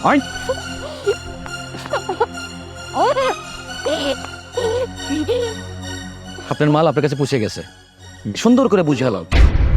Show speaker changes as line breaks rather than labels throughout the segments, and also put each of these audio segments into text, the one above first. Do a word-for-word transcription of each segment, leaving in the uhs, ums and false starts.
I আপনার মাল আপনার কাছে পৌঁছে গেছে, সুন্দর করে বুঝালাম।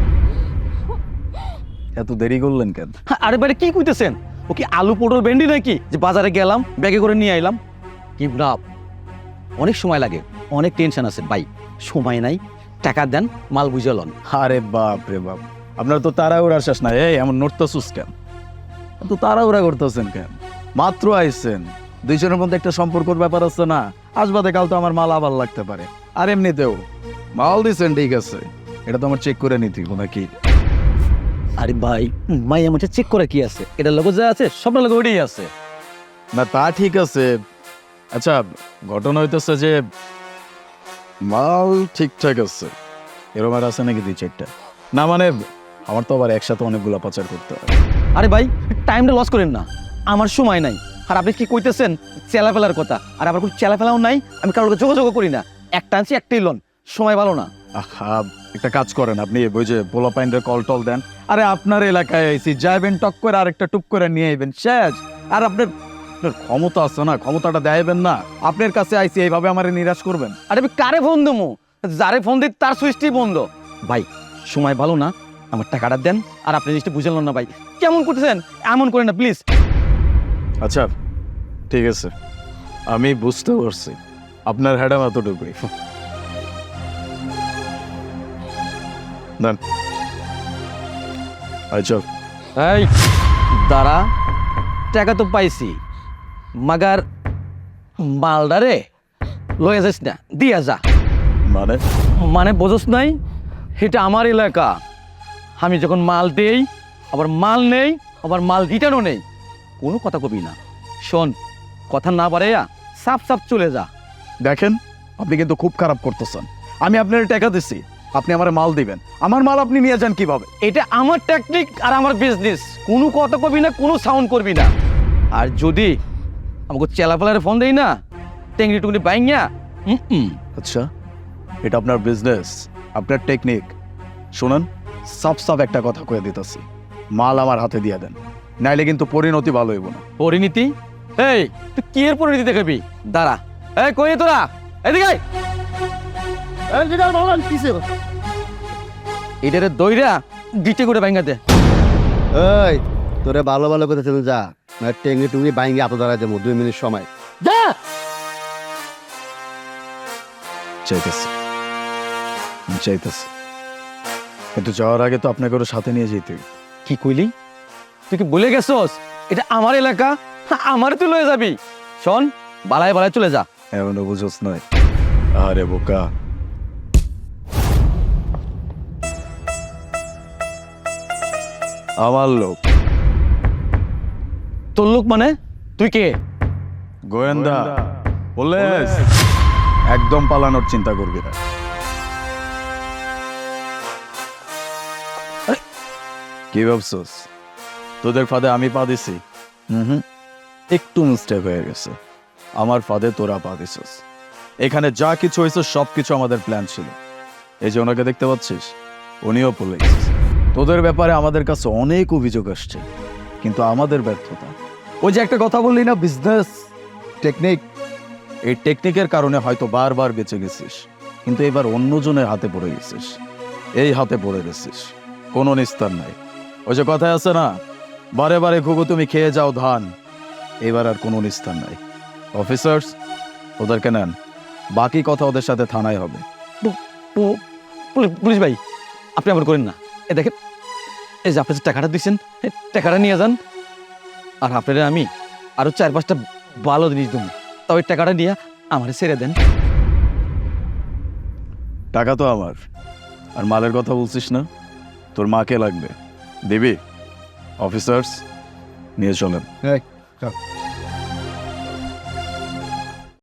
এত দেরি করলেন কেন?
আরে বাইরে কি কইতেছেন? ও কি আলু পটল ভেন্ডি নাকি যে বাজারে গেলাম ব্যাগে করে নিয়ে আইলাম? কি না, অনেক সময় লাগে, অনেক টেনশন আছে ভাই, সময় নাই, টাকা দেন, মাল বুঝালন।
আরে বাপ রে বাপ, আপনার তো তাড়াহুড়া শেষ না। এই এমন নড়তেছুস কেন? তো তাড়াহুড়া করতেছেন কেন? মাত্র আইছেন, দুইজনের মধ্যে একটা সম্পর্কের ব্যাপার আছে না? আসবাদে কাল তো আমার মাল আবার লাগতে পারে। আর এমনিতেও মাল দিছেন ঠিক আছে, এটা তো আমার চেক করে নিতে নাকি?
আরে ভাই, মাই আমার চেক করে কি আছে? এটা লোগো যা আছে সব লোগো ওইটাই আছে।
না তা ঠিক আছে, আচ্ছা ঘটনা হইতেছে যে মাল ঠিকঠাক আছে, এরকম আর আছে নাকি দুই চারটা? না মানে আমার তো আবার একসাথে অনেকগুলো পাচার করতে হয়।
আরে ভাই, টাইমটা লস করেন না, আমার সময় নাই। আর আপনি কি কইতেছেন চেলা ফেলার কথা? আর আমার কোনো চেলা ফেলাও নাই, আমি কারোর যোগাযোগ করি না, একটা আনছি একটাই লোন, সময় ভালো না।
আহা, একটা কাজ করেন আপনি, ওই যে পোলা পাইন্ডের কল টল দেন। আরে আপনার এলাকায় আইসি, যাইবেন টক করে আরেকটা টুপ করে নিয়ে আইবেন, শেষ। আর আপনার আপনার ক্ষমতা আছে না, ক্ষমতাটা দেখাইবেন না। আপনার কাছে আইসি এইভাবে আমারে নিরাশ করবেন?
আরে আমি কারে ফোন দেবো? যারে ফোন দিই তার সুইচটি বন্ধ। ভাই সময় ভালো না, আমার টাকাটা দেন। আর আপনি জিনিসটা বুঝলেন না ভাই, কেমন করতেছেন? এমন করেন না প্লিজ।
আচ্ছা ঠিক আছে, আমি বুঝতে পারছি আপনার হ্যাডাম এতটুকুই। দেন। আচ্ছা
এই দাঁড়া, টাকা তো পাইছি, মাগার মালদারে লয়ে যাস না, দিয়া যা।
মানে
মানে বোঝস নাই, এটা আমার এলাকা, আমি যখন মাল দেই আবার মাল নেই, আবার মাল রিটার্নও নেই, কোনো কথা কবি না। শোন, কথা না বাড়াইয়া সাফ সাফ চলে যা।
দেখেন, আপনি কিন্তু খুব খারাপ করতেছেন। আমি আপনার টাকা দিছি, আপনি আমার মাল দিবেন, আমার মাল আপনি নিয়ে যান কিভাবে?
এটা আমার টেকনিক আর আমার বিজনেস, কোনো কথা কবি না, কোনো সাউন্ড করবি না। আর যদি আমাকে চেলাপালারে ফোন দেই না, টেংরি টুংরি বাইঙ্গা, হুম
আচ্ছা, এটা আপনার বিজনেস, আপনার টেকনিক। শুনুন, সাফ সাফ একটা কথা কয়ে দিতেছি, মাল আমার হাতে দিয়ে দেন, নাইলে কিন্তু পরিণতি ভালো হইব না।
পরিণীতি? এই তুই কি এর পরিণীতি দেখাবি? দাঁড়া, এই কই তোরা, এদিকে আয়। এটারে দইরা গিটে করে বাইঙ্গা দে।
এই তোরে ভালো ভালো কথা চলে যা, না টেঙ্গি টুঙ্গি বাইঙ্গি আতো দাঁড়ায় দেবো, দুই মিনিট সময় যা।
চাইতেছি চাইতেছি কিন্তু যাওয়ার আগে তো আপনাকে ওর সাথে নিয়ে যেতে হইব।
কি কইলি? তুই কি বলে গেছস এটা আমার এলাকা, আমার তুই লয়ে যাবি? শোন, বালায় বালায় চলে যা।
এমনও বুঝোস নয়? আরে বোকা, আমার লোক।
তোর লোক মানে? তুই কে?
গোয়েন্দা, পুলিশ, একদম পালানোর চিন্তা করবি না। কি ভাবছস তোদের ফাঁদে আমি পা দিছি? হুম, একটু মিস্টেক হয়ে গেছে, আমার ফাঁদে তোরা পা দিছস। এখানে যা কিছু হয়েছে সব কিছু আমাদের প্ল্যান ছিল। এই যে ওনাকে দেখতে পাচ্ছিস, উনিও পুলিশ। তোদের ব্যাপারে আমাদের কাছে অনেক অভিযোগ আসছে, কিন্তু আমাদের ব্যর্থতা। ওই যে একটা কথা বললি না, বিজনেস টেকনিক, এই টেকনিকের কারণে হয়তো বারবার বেঁচে গেছিস, কিন্তু এবার অন্যজনের হাতে পড়ে গেছিস। এই হাতে পড়ে গেছিস, কোনো নিস্তার নাই। ওই যে কথায় আছে না, বারে বারে ঘুঘু তুমি খেয়ে যাও ধান, এবার আর কোনো নিস্তার নাই। অফিসার্স, ওদেরকে নেন, বাকি কথা ওদের সাথে থানায় হবে।
পুলিশ ভাই, আপনি আবার করেন না। এ দেখেন, এই যে আপনি যে টাকাটা দিচ্ছেন, টাকাটা নিয়ে যান। আর আপনারা আমি আরো চার পাঁচটা ভালো জিনিস দেবো, তা ওই টাকাটা নিয়ে আমার ছেড়ে দেন।
টাকা তো আমার, আর মালের কথা বলছিস না, তোর মাকে লাগবে, দিবি? অফিসার্স, নিয়ে চলেন।
এই চল।